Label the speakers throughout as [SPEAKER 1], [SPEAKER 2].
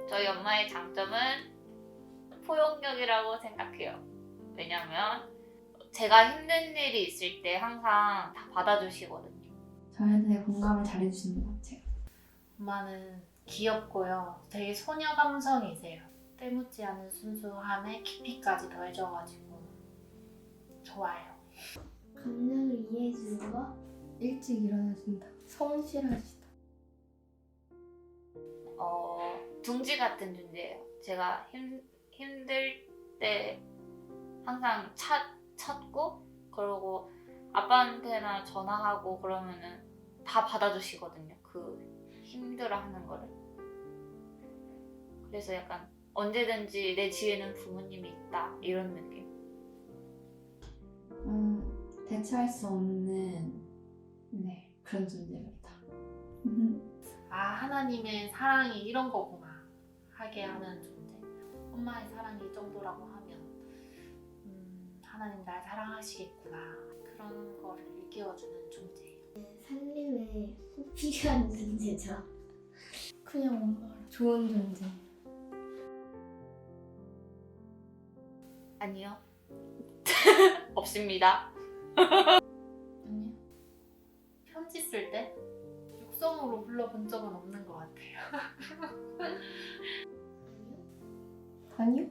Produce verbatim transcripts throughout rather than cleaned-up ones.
[SPEAKER 1] 저희 엄마의 장점은 포용력이라고 생각해요. 왜냐면 제가 힘든 일이 있을 때 항상 다 받아주시거든요.
[SPEAKER 2] 저한테 공감을 잘해주시는 것 같아요.
[SPEAKER 3] 엄마는 귀엽고요. 되게 소녀 감성이세요. 때묻지 않은 순수함에 깊이까지 더해져가지고 좋아요.
[SPEAKER 4] 감정을 이해해주는 거?
[SPEAKER 2] 일찍 일어나신다. 성실하시다.
[SPEAKER 1] 어, 둥지 같은 존재예요. 제가 힘, 힘들 때 항상 찾, 찾고 그러고 아빠한테나 전화하고 그러면은 다 받아주시거든요. 그 힘들어하는 거를. 그래서 약간 언제든지 내 뒤에는 부모님이 있다 이런 느낌.
[SPEAKER 2] 음, 대체할 수 없는 네 그런 존재입니다.
[SPEAKER 3] 아, 하나님의 사랑이 이런 거구나 하게 하는 존재. 엄마의 사랑이 이 정도라고 하면 음, 하나님 날 사랑하시겠구나 그런 거를 일깨워주는 존재예요.
[SPEAKER 4] 살림에 꼭 필요한 존재죠.
[SPEAKER 2] 그냥 엄마랑 좋은 존재.
[SPEAKER 1] 아니요. 없습니다.
[SPEAKER 3] 아니요. 편지 쓸 때 육성으로 불러본 적은 없는 것 같아요.
[SPEAKER 2] 아니요?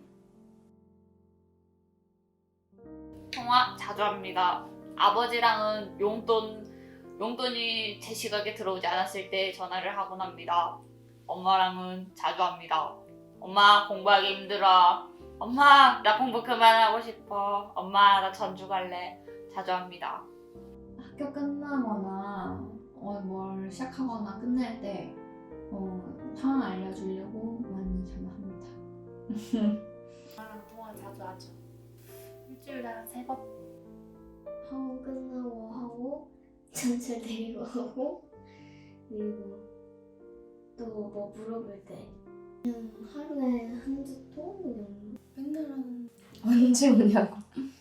[SPEAKER 1] 통화 자주 합니다. 아버지랑은 용돈, 용돈이 제 시각에 들어오지 않았을 때 전화를 하곤 합니다. 엄마랑은 자주 합니다. 엄마 공부하기 힘들어. 엄마 나 공부 그만하고 싶어. 엄마 나 전주 갈래. 자주 합니다.
[SPEAKER 2] 학교 끝나거나 어, 뭘 시작하거나 끝낼 때 어, 상황 알려주려고 많이 전화합니다.
[SPEAKER 3] 엄마랑 통화 자주 하죠. 일주일에 한 세 번.
[SPEAKER 4] 학원 끝나고 하고 전철 데리고 오고 그리고 또 뭐 물어볼 때 그냥 하루에 한두 통? 그냥 맨날 하는
[SPEAKER 2] 언제 오냐고.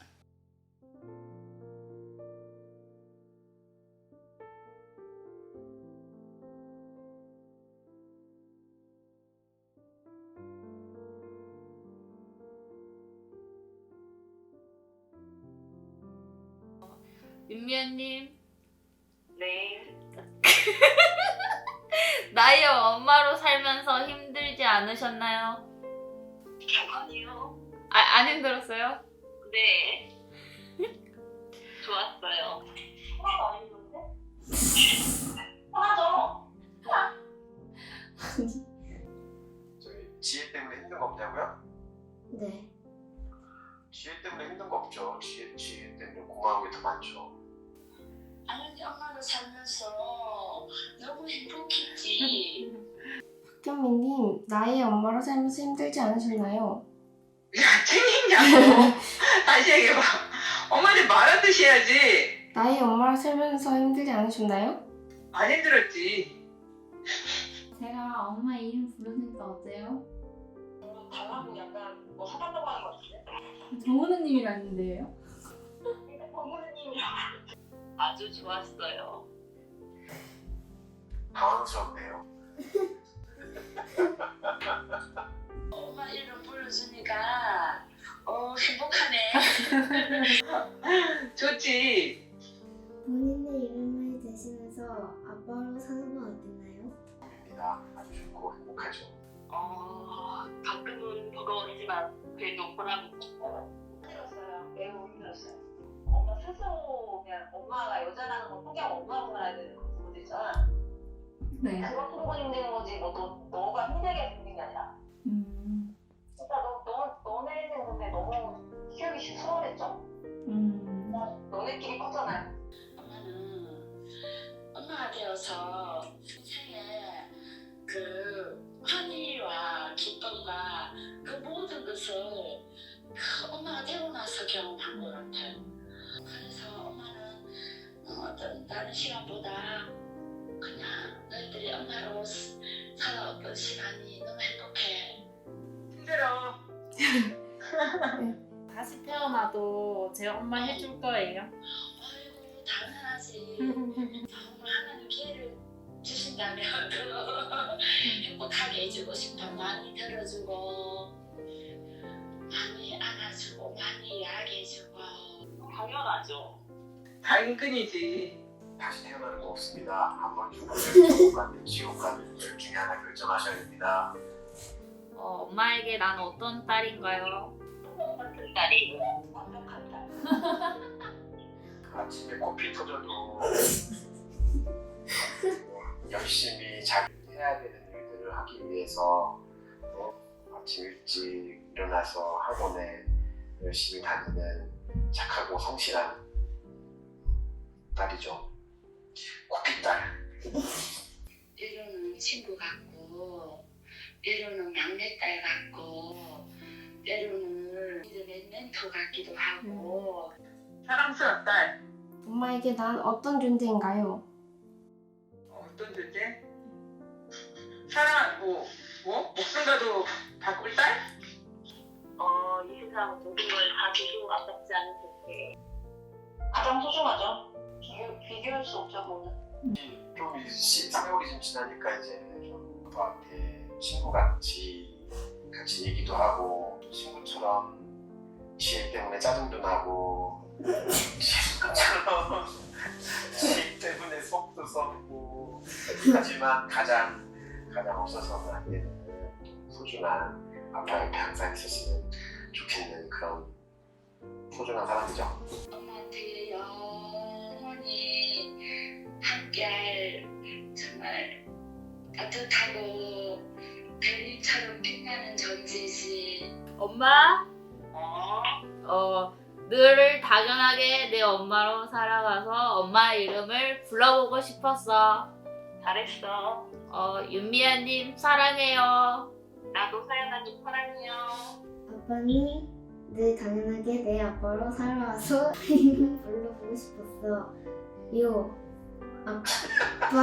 [SPEAKER 1] 윤미연님. 네. 나의 엄마로 살면서 힘들지 않으셨나요?
[SPEAKER 5] 아니요.
[SPEAKER 1] 아, 안 힘들었어요?
[SPEAKER 5] 네. 좋았어요. 하나도 안 힘든데? 하나도.
[SPEAKER 6] 저기 지혜 때문에 힘든 거 없냐고요?
[SPEAKER 4] 네.
[SPEAKER 6] 지혜 때문에 힘든 거 없죠. 지혜, 지혜 때문에 고마운 게 더 많죠.
[SPEAKER 5] 아니 엄마로 살면서 너무 행복했지.
[SPEAKER 2] 박경민님, 나의 엄마로 살면서 힘들지 않으셨나요?
[SPEAKER 5] 야 챙겼냐고. 다시 얘기해봐. 엄마한테 말하듯이 해야지.
[SPEAKER 2] 나의 엄마로 살면서 힘들지 않으셨나요?
[SPEAKER 5] 안 힘들었지.
[SPEAKER 2] 제가 엄마 이름 부르니까 어때요?
[SPEAKER 5] 달라고 약간 뭐 사달라고 하는 거 같은데?
[SPEAKER 2] 정은우님이라는데요?
[SPEAKER 5] 어머님이랑 아주 좋았어요.
[SPEAKER 6] 당황스럽네요.
[SPEAKER 5] 엄마 이름 불러주니까 어 행복하네. 좋지.
[SPEAKER 4] 본인의 이름을 대시면서 아빠로 사는 건 어땠나요?
[SPEAKER 6] 입니다. 아주 좋고 행복하죠.
[SPEAKER 5] 어 가끔은 버거웠지만 그래도 보람이 있고 힘들었어요. 매우 힘들었어요. 엄마 스스로 그냥 엄마가 여자라는 걸 포기하고 엄마로 살아야 되는 그 부분 있잖아.
[SPEAKER 2] 네.
[SPEAKER 5] 그것 부분 힘든 거지 뭐 너, 너가 힘들게 힘든 게 아니라.
[SPEAKER 2] 음,
[SPEAKER 5] 진짜 너, 너, 너네는 근데 너무 키우기 수월했죠?
[SPEAKER 2] 음,
[SPEAKER 5] 너네끼리 컸잖아요. 엄마는 엄마가 되어서 인생에 그 환희와 기쁨과 그 모든 것을 그 엄마가 되고 나서 경험한 것 같아요. 그래서 엄마는 어떤 다른 시간보다 그냥 너희들이 엄마로 살아왔던 시간이 너무 행복해. 힘들어.
[SPEAKER 3] 다시 태어나도 제 엄마 해줄 거예요.
[SPEAKER 5] 아이고 당연하지. 정말 하나님 기회를 주신다면 행복하게 해주고 싶어. 많이 들어주고 많이 안아주고 많이 이야기해주고. 당연하죠.
[SPEAKER 7] 당근이지.
[SPEAKER 6] 다시 태어나는 거 없습니다. 한 번 죽으면 천국 가든 지옥 가든 둘 중에 하나 결정하셔야 됩니다.
[SPEAKER 1] 어, 엄마에게 난 어떤 딸인가요?
[SPEAKER 5] 같은 딸이 완벽한 딸.
[SPEAKER 6] 아침에 코피 터져도 열심히 자기 해야 되는 일들을 하기 위해서 어, 아침 일찍 일어나서 학원에 열심히 다니는 착하고 성실한 딸이죠. 코피딸.
[SPEAKER 5] 때로는 친구 같고 때로는 막내딸 같고 때로는 믿음의 멘토 같기도 하고.
[SPEAKER 7] 사랑스러운 딸.
[SPEAKER 4] 엄마에게 난 어떤 존재인가요?
[SPEAKER 7] 어떤 존재? 사랑하고 뭐? 목숨과도 바꿀 딸?
[SPEAKER 5] 어, 이 세상 모든 걸 다 주고 아깝지 않은 존재. 가장 소중하죠. 비교, 비교할 수 없죠, 그거는.
[SPEAKER 6] 좀 이 시- 세월이 좀 지나니까 이제 좀 아빠한테 친구같이 같이 얘기도 하고 친구처럼 지혜 때문에 짜증도 나고 친구처럼 지혜 때문에 속도 썩고 하지만 가장 가장 없어서는 안 되는 소중한 아빠 옆에 항상 있으시면 좋겠는 그런 소중한 사람이죠.
[SPEAKER 5] 엄마한테 영원히 함께할 정말 따뜻하고 별님처럼 빛나는 존재지.
[SPEAKER 1] 엄마,
[SPEAKER 5] 어?
[SPEAKER 1] 어, 늘 당연하게 내 엄마로 살아가서 엄마 이름을 불러보고 싶었어.
[SPEAKER 5] 잘했어.
[SPEAKER 1] 어, 윤미아님 사랑해요.
[SPEAKER 5] 나도 사연아님 사랑해요.
[SPEAKER 4] 아빠는 늘 당연하게 내 아빠로 살아와서 이름 불러보고 싶었어. 요 아빠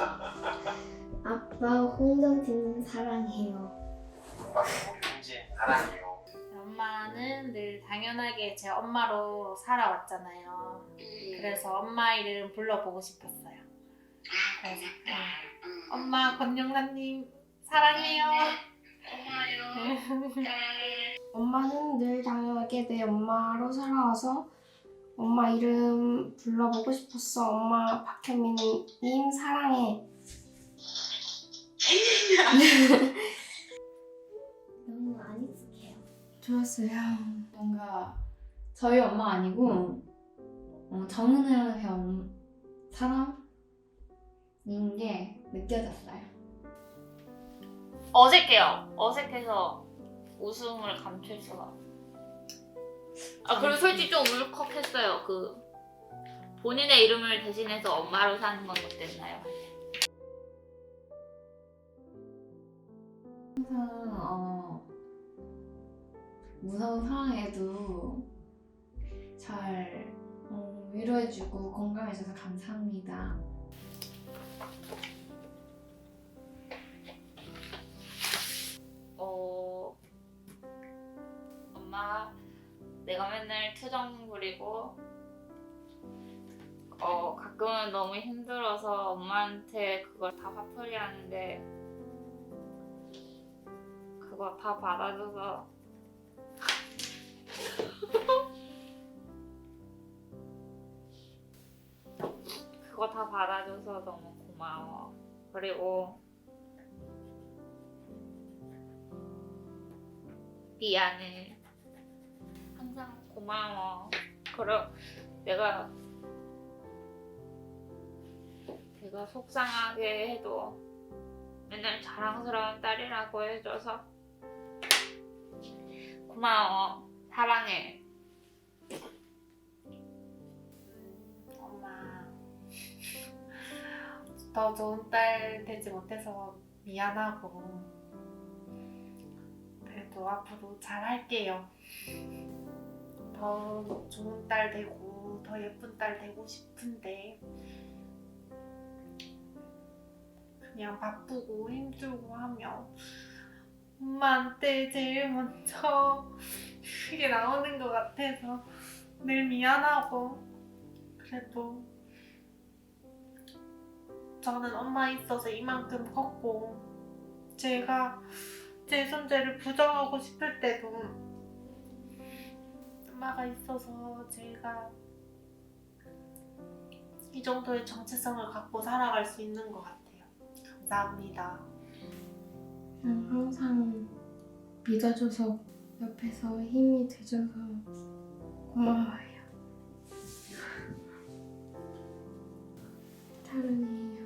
[SPEAKER 4] 아빠 홍정진님 사랑해요.
[SPEAKER 6] 아빠 홍준진 사랑해요.
[SPEAKER 3] 엄마는 늘 당연하게 제 엄마로 살아왔잖아요. 그래서 엄마 이름 불러보고 싶었어요.
[SPEAKER 5] 아, 고맙다. 응.
[SPEAKER 3] 엄마 권영란님 사랑해요.
[SPEAKER 5] 고마워요. 딸.
[SPEAKER 8] 엄마는 늘 당연하게 내 엄마로 살아와서 엄마 이름 불러보고 싶었어. 엄마 박현민님 사랑해.
[SPEAKER 4] 너무 안 익숙해요.
[SPEAKER 2] 좋았어요. 뭔가 저희 엄마 아니고 어, 정은혜 형 사람인 게 느껴졌어요.
[SPEAKER 1] 어색해요. 어색해서 웃음을 감출 수가. 아 그리고 솔직히 좀 울컥했어요. 그 본인의 이름을 대신해서 엄마로 사는 건 어땠나요?
[SPEAKER 2] 항상 어, 무서운 상황에도 잘 어, 위로해주고 공감해줘서 감사합니다.
[SPEAKER 1] 어 엄마 내가 맨날 투정 부리고 어 가끔은 너무 힘들어서 엄마한테 그걸 다 화풀이 하는데 그거 다 받아줘서 그거 다 받아줘서 너무 고마워. 그리고 미안해. 항상 고마워. 그럼 내가 내가 속상하게 해도 맨날 자랑스러운 딸이라고 해줘서 고마워. 사랑해.
[SPEAKER 3] 엄마 더 좋은 딸 되지 못해서 미안하고 그래도 앞으로 잘 할게요. 더 좋은 딸 되고 더 예쁜 딸 되고 싶은데 그냥 바쁘고 힘들고 하면 엄마한테 제일 먼저 그게 나오는 것 같아서 늘 미안하고 그래도 저는 엄마 있어서 이만큼 컸고 제가 제 존재를 부정하고 싶을 때도 엄마가 있어서 제가 이 정도의 정체성을 갖고 살아갈 수 있는 것 같아요. 감사합니다.
[SPEAKER 8] 그냥 항상 믿어줘서 옆에서 힘이 돼줘서 고마워요. 사랑해요.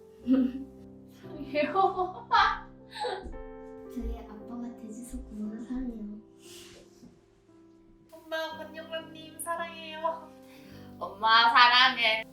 [SPEAKER 2] 사랑해요.
[SPEAKER 4] 저희 아빠가 돼줘서 고마워 사랑해요.
[SPEAKER 3] 엄마, 권영란님 사랑해요.
[SPEAKER 1] 엄마 사랑해.